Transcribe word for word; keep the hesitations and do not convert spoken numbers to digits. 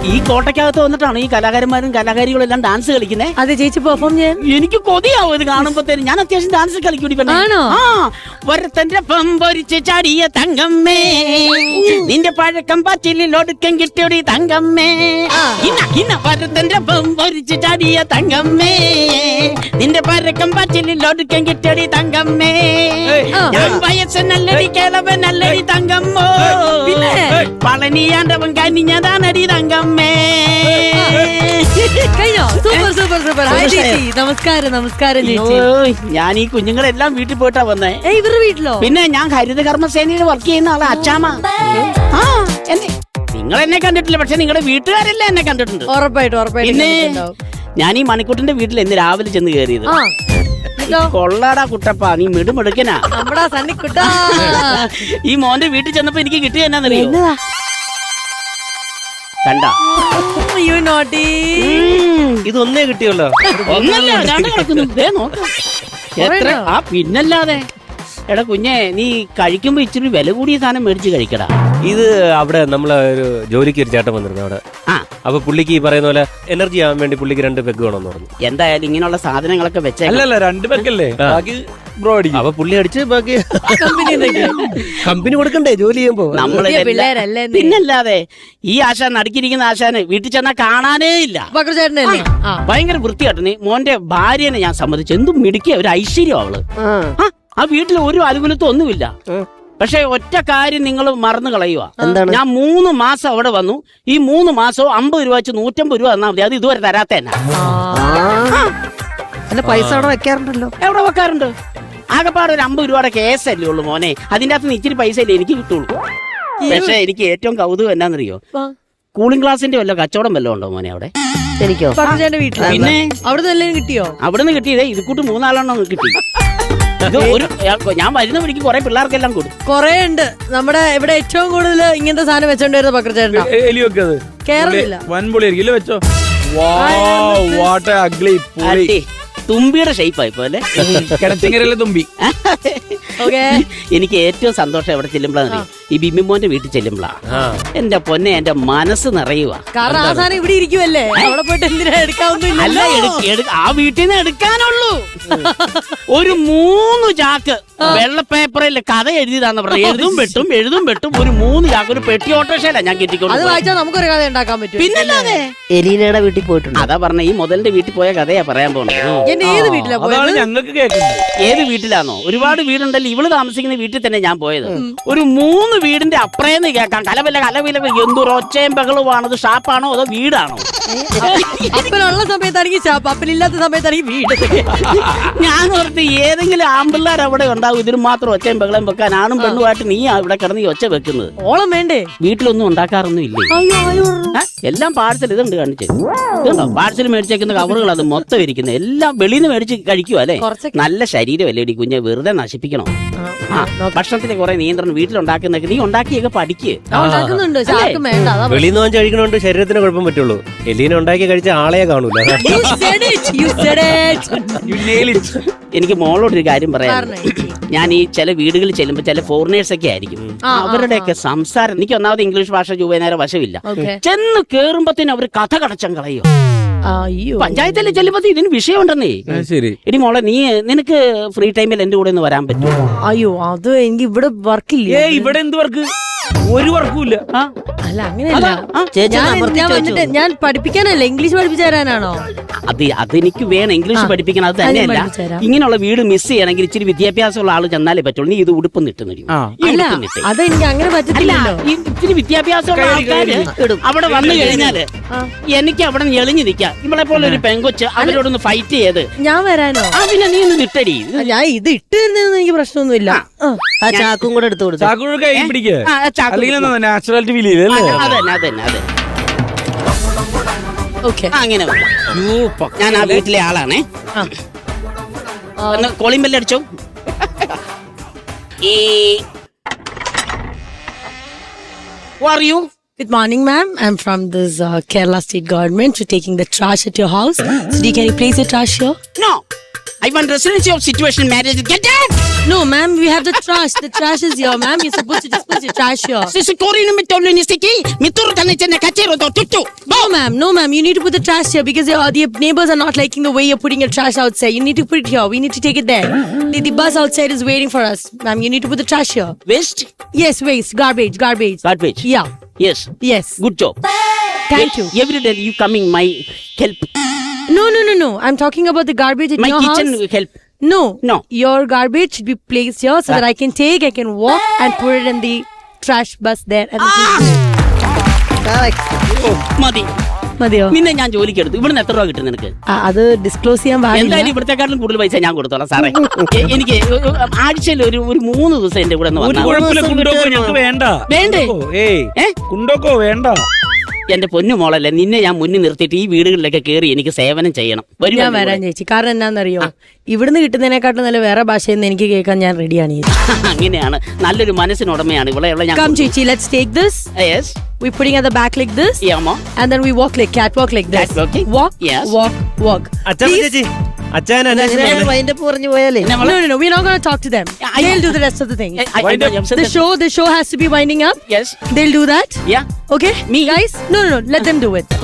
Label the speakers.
Speaker 1: ഈ കോട്ടയ്ക്കകത്ത് വന്നിട്ടാണ് ഈ കലാകാരന്മാരും കലാകാരികളും എല്ലാം ഡാൻസ് കളിക്കുന്നത്.
Speaker 2: അതെ ചേച്ചി പെർഫോം ചെയ്യാൻ
Speaker 1: എനിക്ക് കൊതിയാവും ഇത് കാണുമ്പോഴത്തേനും. ഞാൻ അത്യാവശ്യം ഡാൻസ് കളിക്കൂടി. ആ ഒരുത്തന്റെ പമ്പൊരിച്ച് ചാടിയ തങ്കമ്മേ, നിന്റെ പഴക്കം പച്ചിലിൽ ഒടുക്കം കിട്ടിയൊടി തങ്കമ്മേ. ഇന്ന ഒരുത്തന്റെ പമ്പൊരിച്ച് ചാടിയ തങ്കമ്മേ, നിന്റെ പഴക്കം പച്ചിലിൽ ഒടുക്കം കിട്ടിയൊടി തങ്കമ്മേ. ഞാൻ വയസ്സനല്ലടി കേളവനല്ലടി തങ്കമ്മോ, പളനിയാണ്ടവൻ കനിഞ്ഞതാണടി തങ്കമ്മേ.
Speaker 2: കഴിഞ്ഞോ? Super super super. നമസ്കാരം നമസ്കാരം ചേച്ചി.
Speaker 1: ഞാൻ ഈ കുഞ്ഞുങ്ങളെല്ലാം വീട്ടിൽ പോയിട്ടാ വന്നേ.
Speaker 2: ഇവരുടെ വീട്ടിലോ?
Speaker 1: പിന്നെ ഞാൻ ഹരിത കർമ്മസേനയിൽ വർക്ക് ചെയ്യുന്ന ആളാ അച്ചാമ്മ. ആ എന്നെ നിങ്ങൾ എന്നെ കണ്ടിട്ടില്ല, പക്ഷെ നിങ്ങളുടെ വീട്ടുകാരെല്ലാം എന്നെ കണ്ടിട്ടുണ്ട്.
Speaker 2: ഉറപ്പായിട്ടും ഉറപ്പായിട്ടും.
Speaker 1: പിന്നെ ഞാൻ ഈ മണിക്കൂട്ടിന്റെ വീട്ടിൽ ഇന്ന് രാവിലെ ചെന്ന് കയറിയത്. കൊള്ളാടാ കുട്ടപ്പ, നീ മിടുമെടുക്കനാ. ഈ മോന്റെ വീട്ടിൽ ചെന്നപ്പോ എനിക്ക് കിട്ടിയ എന്നാന്നറിയോ? കണ്ട
Speaker 3: ഇതൊന്നേ കിട്ടിയല്ലോ.
Speaker 1: ഒന്നല്ല എത്ര ആ പിന്നല്ലാതെ. എടാ കുഞ്ഞെ, നീ കഴിക്കുമ്പോ ഇച്ചിരി വില കൂടിയ സാധനം മേടിച്ച് കഴിക്കടാ.
Speaker 3: ഇത് അവിടെ നമ്മളെ ഒരു ജോലിക്ക് ഒരു ചേട്ടൻ വന്നിരുന്നു അവിടെ.
Speaker 1: ആ
Speaker 3: അപ്പൊ പുള്ളിക്ക് ഈ പറയുന്ന പോലെ എനർജി ആവാൻ വേണ്ടി പുള്ളിക്ക് രണ്ട് പെഗ് വേണമെന്ന് പറഞ്ഞു.
Speaker 1: എന്തായാലും ഇങ്ങനെയുള്ള സാധനങ്ങളൊക്കെ വെച്ചേ.
Speaker 4: അല്ലല്ല, രണ്ട് പെഗല്ലേ ബ്രോ അടിക്കും.
Speaker 3: അപ്പൊ പുള്ളി അടിച്ച് ബാക്കി കമ്പനി കൊടുക്കണ്ടേ ജോലി ചെയ്യുമ്പോ?
Speaker 1: നമ്മള് പിന്നല്ലാതെ. ഈ ആശാൻ നടുക്കിരിക്കുന്ന ആശാന് വീട്ടിൽ ചെന്നാ കാണാനേ ഇല്ല. ഭയങ്കര വൃത്തിയായിട്ട്. നീ മോന്റെ ഭാര്യനെ ഞാൻ സമ്മതിച്ചു. എന്തും മിടുക്കിയ ഒരു ഐശ്വര്യം അവള്. ആ വീട്ടിൽ ഒരു അനുകൂലത്വം ഒന്നുമില്ല. പക്ഷെ ഒറ്റ കാര്യം നിങ്ങൾ മറന്നു കളയുക. ഞാൻ മൂന്ന് മാസം അവിടെ വന്നു. ഈ മൂന്ന് മാസവും അമ്പത് രൂപ വെച്ച് നൂറ്റമ്പത് രൂപ തന്നാ മതി. അത് ഇതുവരെ തരാത്ത
Speaker 2: പൈസ അവിടെ വെക്കാറുണ്ടല്ലോ.
Speaker 1: എവിടെ വെക്കാറുണ്ട്? ആകെപ്പാട് ഒരു അമ്പത് രൂപയുടെ കേസല്ലേ ഉള്ളു മോനെ. അതിന്റെ അകത്ത് ഇച്ചിരി പൈസ അല്ലേ എനിക്ക് കിട്ടുള്ളൂ. പക്ഷെ എനിക്ക് ഏറ്റവും കൗതുകം എന്നാന്നറിയോ? കൂളിംഗ് ക്ലാസിന്റെ വല്ല കച്ചവടം വല്ലതും ഉണ്ടോ മോനെ അവിടെ?
Speaker 2: എനിക്കോ? പിന്നെ അവിടെ കിട്ടിയോ?
Speaker 1: അവിടുന്ന് കിട്ടിയതേ ഇത് കൂട്ട് മൂന്നാലെണ്ണം കിട്ടി. ഇത് ഒരു ഞാൻ വരുന്ന വഴിക്ക് കുറെ പിള്ളേർക്കെല്ലാം കൊടുക്കും.
Speaker 2: കൊറേ ഉണ്ട്. നമ്മുടെ ഇവിടെ ഏറ്റവും കൂടുതൽ ഇങ്ങനത്തെ സാധനം വെച്ചോണ്ടിരുന്ന പക്രചേട്ടനാ. കേരളത്തില്ല
Speaker 4: വൻപൊളിയായിരിക്കും വെച്ചോ.
Speaker 1: തുമ്പിയുടെ ഷേപ്പായി പോലെ
Speaker 4: കിണറ്റിങ്ങരല്ലേ തുമ്പി.
Speaker 1: എനിക്ക് ഏറ്റവും സന്തോഷം എവിടെ ചെല്ലുമ്പോഴാണ് ഈ ബിംബിമോന്റെ വീട്ടിൽ ചെല്ലുമ്പോഴാ. എന്റെ പൊന്നെ, എന്റെ മനസ്സ് നിറയുക.
Speaker 2: കാരണം ആ സാധനം ഇവിടെ ഇരിക്കുവല്ലേ, അവിടെ പോയിട്ട് എന്തിനാ എടുക്കാവുന്നില്ല.
Speaker 1: അല്ല, ആ വീട്ടിൽ നിന്ന് എടുക്കാനുള്ളൂ. ഒരു മൂന്ന് ചാക്ക് വെള്ള പേപ്പറിൽ കഥ എഴുതിയതാന്ന് പറഞ്ഞു. എഴുതും വെട്ടും എഴുതും വെട്ടും ഒരു മൂന്ന് ചാക്ക് ഒരു പെട്ടി ഓട്ടോറിക്ഷയില ഞാൻ കെട്ടിക്കൊണ്ട്.
Speaker 2: അത് വായിച്ചാൽ നമുക്കൊരു കഥ ഉണ്ടാക്കാൻ പറ്റും.
Speaker 1: പിന്നല്ലാതെ.
Speaker 5: എലീനയുടെ വീട്ടിൽ പോയിട്ടുണ്ട്.
Speaker 1: അതാ പറഞ്ഞ ഈ മുതലിന്റെ വീട്ടിൽ പോയ കഥയാ പറയാൻ പോകുന്നത്.
Speaker 2: ഏത് വീട്ടിലാ പോയത്?
Speaker 4: ഞങ്ങൾക്ക് കേൾക്കുന്നത്.
Speaker 1: ഏത് വീട്ടിലാണോ? ഒരുപാട് വീടുണ്ടല്ലോ. ഇവള് താമസിക്കുന്ന വീട്ടിൽ തന്നെ ഞാൻ പോയത്. ഒരു മൂന്ന് വീടിന്റെ അപ്പുറേന്ന് കേൾക്കാം കലവില കലവില. എന്തൊരു ഒച്ചയും ബഹളവുമാണത്? ഷാപ്പാണോ അതോ വീടാണോ?
Speaker 2: അപ്പനുള്ള സമയത്താണെങ്കിൽ ഷാപ്പ്, അപ്പനില്ലാത്ത സമയത്താണെങ്കിൽ വീട്.
Speaker 1: ഞാൻ ഓർത്ത് ഏതെങ്കിലും ആമ്പിള്ളേർ അവിടെ ഉണ്ടാവും ഇതിന് മാത്രം ഒച്ചയും ബഹളം വെക്കാൻ. ആണും പെണ്ണുമായിട്ട് നീ ഇവിടെ കിടന്ന് ഈ ഒച്ച വെക്കുന്നത്.
Speaker 2: ഓളം വേണ്ടേ?
Speaker 1: വീട്ടിലൊന്നും ഉണ്ടാക്കാറൊന്നും ഇല്ലേ? എല്ലാം പാഴ്സൽ. ഇതുണ്ട് കാണിച്ചു. ഇതുണ്ടോ പാഴ്സൽ മേടിച്ചേക്കുന്ന കവറുകൾ? അത് മൊത്തം ഇരിക്കുന്നത് എല്ലാം വെളിയിൽ നിന്ന് മേടിച്ച് കഴിക്കുക അല്ലേ? നല്ല ശരീരമല്ലേ ഇടി കുഞ്ഞെ, വെറുതെ നശിപ്പിക്കണോ? ഭക്ഷണത്തിന് കുറെ നിയന്ത്രണം വീട്ടിലുണ്ടാക്കുന്നൊക്കെ നീ ഉണ്ടാക്കിയൊക്കെ പഠിക്കുക.
Speaker 3: വെളിയിൽ നിന്ന് കഴിക്കണോണ്ട് ശരീരത്തിന് കുഴപ്പം പറ്റുള്ളൂ. എലീന ഉണ്ടാക്കി കഴിച്ച ആളെയെ കാണൂല.
Speaker 1: എനിക്ക് മോളോടൊരു കാര്യം പറയാം. ഞാൻ ഈ ചില വീടുകളിൽ ചെല്ലുമ്പോ ചില ഫോറിനേഴ്സ് ഒക്കെ ആയിരിക്കും. അവരുടെയൊക്കെ സംസാരം എനിക്ക് ഒന്നാമത് ഇംഗ്ലീഷ് ഭാഷ ചൊവ്വേനേരം വശമില്ല. ചെന്ന് കേറുമ്പത്തേനും അവര് കഥ കടച്ചം കളയോ. പഞ്ചായത്തിലെ ചെല്ലുമ്പോ ഇതിന് വിഷയമുണ്ടെന്നേ. ഇനി മോളെ, നീ നിനക്ക് ഫ്രീ ടൈമിൽ എന്റെ കൂടെ ഒന്ന് വരാൻ പറ്റുമോ?
Speaker 2: അയ്യോ, അത് എനിക്ക് ഇവിടെ വർക്കില്ല.
Speaker 4: ഇവിടെ എന്ത് വർക്ക്? ഒരു വർക്കും ഇല്ല.
Speaker 2: അല്ല അങ്ങനെയല്ല, ഞാൻ പഠിപ്പിക്കാനല്ല, ഇംഗ്ലീഷ് പഠിപ്പിച്ചു തരാനാണോ?
Speaker 1: അത് അതെനിക്ക് വേണം, ഇംഗ്ലീഷ് പഠിപ്പിക്കണം. അത് തന്നെയല്ല, ഇങ്ങനെയുള്ള വീട് മിസ് ചെയ്യണമെങ്കിൽ ഇച്ചിരി വിദ്യാഭ്യാസമുള്ള ആള് ചെന്നാലേ പറ്റുള്ളൂ. നീ ഇത് ഉടുപ്പ് നിട്ടുന്നു.
Speaker 2: അതെനിക്ക് അങ്ങനെ പറ്റില്ല.
Speaker 1: ഇച്ചിരി വിദ്യാഭ്യാസമുള്ള ആൾക്കാര് അവിടെ വന്നു കഴിഞ്ഞാല് എനിക്ക് അവിടെ നിന്ന് എളിഞ്ഞു നിൽക്കാം. ഇവളെ പോലെ ഒരു പെങ്കൊച്ച് അവരോടൊന്ന് ഫൈറ്റ് ചെയ്ത്
Speaker 2: ഞാൻ വരാനോ?
Speaker 1: പിന്നെ നീ ഒന്ന് നിട്ടടി.
Speaker 2: ഞാൻ ഇത് ഇട്ട് തരുന്നതെന്ന് എനിക്ക് പ്രശ്നമൊന്നുമില്ല.
Speaker 5: ആ ചാക്കും കൂടെ എടുത്തു കൊടുത്തു.
Speaker 4: നാച്ചുറാലിറ്റി ഫീൽ ചെയ്തല്ലേ?
Speaker 1: അതന്നെ അതന്നെ അതെ. അങ്ങനെ ഞാൻ ആ വീട്ടിലെ ആളാണേ. കോളിംഗ് ബെല്ല് അടിച്ചോ. Who are you?
Speaker 2: Good morning, ma'am. I'm from this uh, Kerala state government for taking the trash at your house. So, can you place your trash here?
Speaker 1: No. I want residential situation marriage. Get out!
Speaker 2: No, ma'am, we have the trash. The trash is here, ma'am. You're supposed to dispose your trash here.
Speaker 1: Sisikorino mitolunistiki miturkane chenne kachero to tutu.
Speaker 2: No, ma'am. No, ma'am. You need to put the trash here because your, the neighbors are not liking the way you're putting your trash outside. You need to put it here. We need to take it there. The, the bus outside is waiting for us, ma'am. You need to put the trash here.
Speaker 1: Waste,
Speaker 2: Yes, waste, garbage, garbage.
Speaker 1: garbage.
Speaker 2: Yeah.
Speaker 1: Yes,
Speaker 2: Yes.
Speaker 1: good job.
Speaker 2: Thank you.
Speaker 1: Every day you coming my help,
Speaker 2: No, no, no, no. I'm talking about the garbage in
Speaker 1: my
Speaker 2: your
Speaker 1: kitchen
Speaker 2: house.
Speaker 1: help.
Speaker 2: No.
Speaker 1: No.
Speaker 2: Your garbage should be placed here so that I can take, I can walk and put it in the trash bus there. And
Speaker 1: മതി.
Speaker 2: മതിയോ?
Speaker 1: നിന്നെ ഞാൻ ജോലിക്ക് എടുത്തു. ഇവിടുന്ന് എത്ര രൂപ കിട്ടും നിനക്ക്?
Speaker 2: ആ, അത് ഡിസ്ക്ലോസ് ചെയ്യാൻ പാടില്ല.
Speaker 1: എന്തായാലും ഇവിടത്തെക്കാട്ടിലും കൂടുതൽ പൈസ ഞാൻ കൊടുത്തോളാം സാറേ. എ- എനിക്ക് ആഴ്ചയിൽ ഒരു ഒരു മൂന്ന് ദിവസം എന്റെ കൂടെ ഒന്ന്
Speaker 4: ഒരു
Speaker 1: വന്നാൽ
Speaker 4: കുഴപ്പമില്ല കുണ്ടോക്കോ ഞങ്ങൾക്ക് വേണ്ട.
Speaker 1: വേണ്ടേ?
Speaker 4: കുണ്ടോക്കോ, ഏയ്
Speaker 1: ഏ?
Speaker 4: കുണ്ടോക്കോ വേണ്ട.
Speaker 1: എന്റെ പൊന്നു മോളല്ലേ, നിന്നെ ഞാൻ മുന്നിൽ നിർത്തിയിട്ട് ഈ വീടുകളിലൊക്കെ കയറി എനിക്ക് സേവനം ചെയ്യണം. വരൂ
Speaker 2: ഞാൻ
Speaker 1: എൻ്റെ
Speaker 2: വരാൻ
Speaker 1: കൂടെ.
Speaker 2: ചേച്ചി. കാരണം എന്നാന്നറിയോ, ഇവിടുന്ന് കിട്ടുന്നതിനെക്കാട്ടും നല്ല വേറെ ഭാഷയിൽ നിന്ന് എനിക്ക് കേൾക്കാൻ ഞാൻ റെഡിയാണ്.
Speaker 1: അങ്ങനെയാണ്, നല്ലൊരു മനസ്സിനുടമയാണ് ഇവിടെ ഉള്ള ഞാൻ.
Speaker 2: Come ചേച്ചി, let's take this.
Speaker 1: Yes.
Speaker 2: We putting at the back like this.
Speaker 1: Yeah, Mom.
Speaker 2: And then we walk like catwalk like this.
Speaker 1: Catwalking?
Speaker 2: Walk,
Speaker 1: Yes.
Speaker 2: walk, walk.
Speaker 3: അച്ഛൻ ചേച്ചി അച്ഛൻ
Speaker 5: വൈൻഡപ്പ് പറഞ്ഞു പോയാലേ
Speaker 1: പിന്നെ
Speaker 2: No,
Speaker 1: മോളെ-
Speaker 2: no, no. We're not going to talk to them.
Speaker 1: Yeah, I-
Speaker 2: They'll do the rest of the thing.
Speaker 1: I- I- I- I'm
Speaker 2: The show, the show has to be winding up.
Speaker 1: Yes.
Speaker 2: They'll do that.
Speaker 1: Yeah.
Speaker 2: Okay?
Speaker 1: Me?
Speaker 2: Guys? No, no, no. Let them do it.